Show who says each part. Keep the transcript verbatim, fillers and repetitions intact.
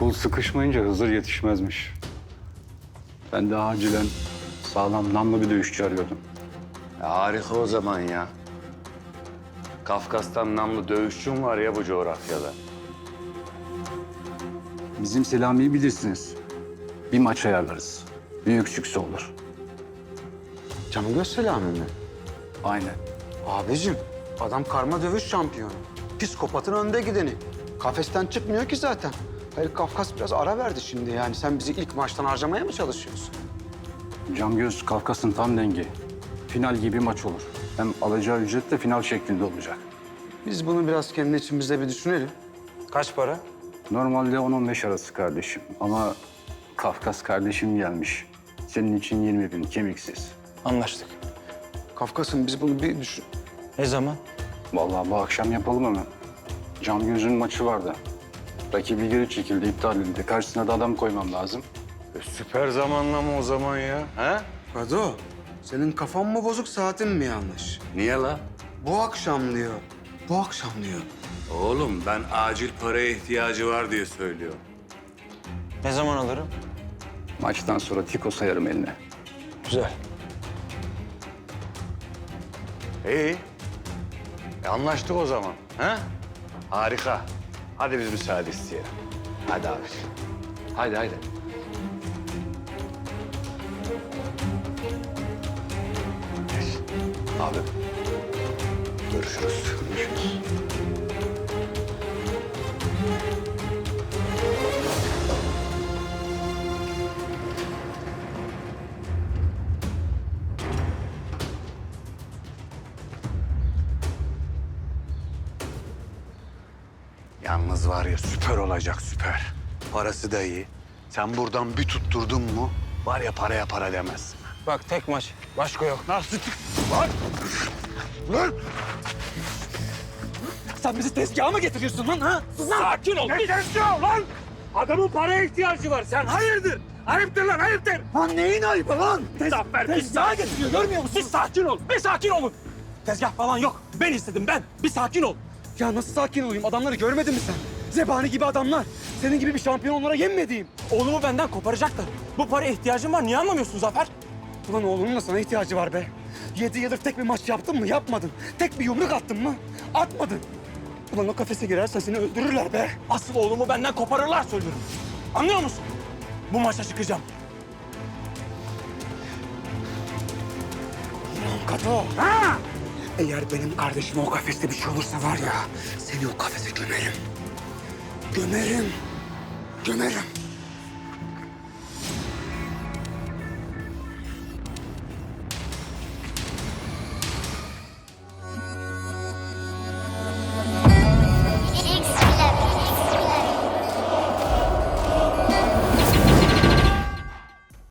Speaker 1: Kul sıkışmayınca Hızır yetişmezmiş. Ben de acilen sağlam namlı bir dövüşçü arıyordum.
Speaker 2: Ya harika o zaman ya. Kafkas'tan namlı dövüşçüm var ya bu coğrafyada.
Speaker 1: Bizim Selami'yi bilirsiniz. Bir maç ayarlarız. Büyük sükse olur.
Speaker 3: Canıgöz Selami mi?
Speaker 1: Aynen.
Speaker 3: Abicim, adam karma dövüş şampiyonu. Psikopatın önde gideni. Kafesten çıkmıyor ki zaten. Hayır, Kafkas biraz ara verdi şimdi yani. Sen bizi ilk maçtan harcamaya mı çalışıyorsun?
Speaker 1: Camgöz Kafkas'ın tam dengi. Final gibi maç olur. Hem alacağı ücret de final şeklinde olacak.
Speaker 3: Biz bunu biraz kendi içimizde bir düşünelim. Kaç para?
Speaker 1: Normalde on on beş arası kardeşim. Ama Kafkas kardeşim gelmiş. Senin için yirmi bin kemiksiz.
Speaker 4: Anlaştık.
Speaker 3: Kafkas'ın biz bunu bir düşün...
Speaker 4: Ne zaman?
Speaker 1: Vallahi bu akşam yapalım hemen. Camgöz'ün maçı vardı. Rakibi geri çekildi, iptal edildi. Karşısına da adam koymam lazım.
Speaker 2: E, süper zamanlama o zaman ya. He?
Speaker 3: Kado, senin kafan mı bozuk, saatin mi yanlış?
Speaker 2: Niye la?
Speaker 3: Bu akşam diyor. Bu akşam diyor.
Speaker 2: Oğlum ben acil paraya ihtiyacı var diye söylüyorum.
Speaker 4: Ne zaman alırım?
Speaker 1: Maçtan sonra Tiko sayarım eline.
Speaker 4: Güzel.
Speaker 2: İyi. E, anlaştık o zaman. He? Harika. Hadi biz müsaade isteyelim. Hadi abi. Hadi hadi. Abi. Görüşürüz. Görüşürüz. Yalnız var ya süper olacak süper. Parası da iyi. Sen buradan bir tutturdun mu var ya paraya para demezsin.
Speaker 4: Bak tek maç. Başka yok.
Speaker 2: Nasıl? Lan! Lan!
Speaker 5: Sen bizi tezgaha mı getiriyorsun lan ha?
Speaker 6: Sakin ol. Ne tezgahı lan? Adamın paraya ihtiyacı var. Sen hayırdır? Ayıptır lan ayıptır.
Speaker 5: Lan neyin ayıbı lan?
Speaker 6: Zafer bir
Speaker 5: Tezgaha
Speaker 6: sakin.
Speaker 5: getiriyor görmüyor musun?
Speaker 6: Bir sakin ol. Bir sakin olun.
Speaker 5: Tezgah falan yok. Ben istedim ben. Bir sakin ol. Ya nasıl sakin olayım? Adamları görmedin mi sen? Zebani gibi adamlar. Senin gibi bir şampiyon onlara yenmediğim.
Speaker 6: Oğlumu benden koparacaklar. Bu paraya ihtiyacım var. Niye anlamıyorsun Zafer?
Speaker 5: Ulan oğlunun da sana ihtiyacı var be. Yedi yıldır tek bir maç yaptın mı? Yapmadın. Tek bir yumruk attın mı? Atmadın. Ulan o kafese girersen seni öldürürler be.
Speaker 6: Asıl oğlumu benden koparırlar söylüyorum. Anlıyor musun? Bu maça çıkacağım.
Speaker 5: Ulan Kato. Ha! Eğer benim kardeşime o kafeste bir şey olursa var ya... ...seni o kafese gömerim. Gömerim. Gömerim.